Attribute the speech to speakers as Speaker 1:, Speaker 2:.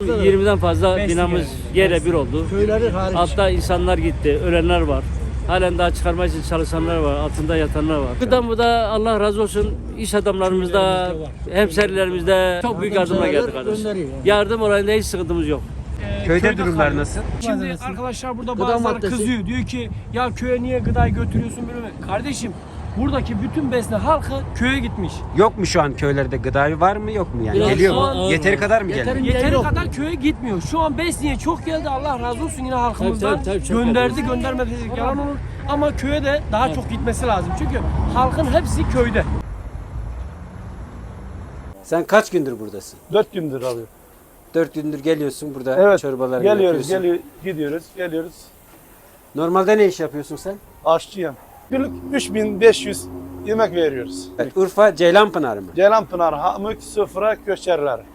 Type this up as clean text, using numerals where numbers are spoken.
Speaker 1: 20'den fazla binamız yerle bir oldu.
Speaker 2: Köyleri hariç.
Speaker 1: Altta insanlar gitti, ölenler var. Halen daha çıkarmak için çalışanlar var, altında yatanlar var. Bu da Allah razı olsun iş adamlarımızda, hemşerilerimizde çok büyük yardımla geldik kardeşim. Yardım olayında hiç sıkıntımız yok.
Speaker 3: Köyde durumlar nasıl?
Speaker 4: Şimdi arkadaşlar burada
Speaker 2: Gıda
Speaker 4: bazıları
Speaker 2: maddesi.
Speaker 4: kızıyor. Diyor ki ya köye niye gıdayı götürüyorsun böyle? Kardeşim buradaki bütün besne halkı köye gitmiş.
Speaker 3: Yok mu şu an köylerde gıda var mı yok mu yani?
Speaker 2: Biraz
Speaker 3: Geliyor mu?
Speaker 2: ağır-
Speaker 3: Yeteri kadar mı geliyor?
Speaker 2: Yeterince
Speaker 4: Yeteri
Speaker 2: yok.
Speaker 4: kadar köye gitmiyor. Şu an besniye çok geldi. Allah razı olsun yine halkımızdan.
Speaker 2: Tabii, çok
Speaker 4: gönderdi göndermedi dedik yalan olur. Ama köye de daha çok gitmesi lazım. Çünkü halkın hepsi köyde.
Speaker 3: Sen kaç gündür buradasın?
Speaker 5: 4 gündür alıyor.
Speaker 3: 4 gündür geliyorsun burada
Speaker 5: Evet.
Speaker 3: çorbaları
Speaker 5: Geliyoruz,
Speaker 3: yapıyorsun.
Speaker 5: gidiyoruz, geliyoruz.
Speaker 3: Normalde ne iş yapıyorsun sen?
Speaker 5: Aşçıyım. Günlük 3500 yemek veriyoruz.
Speaker 3: Evet, Urfa Ceylanpınar mı?
Speaker 5: Ceylanpınar, Hamık, Sıfıra, Köşerler.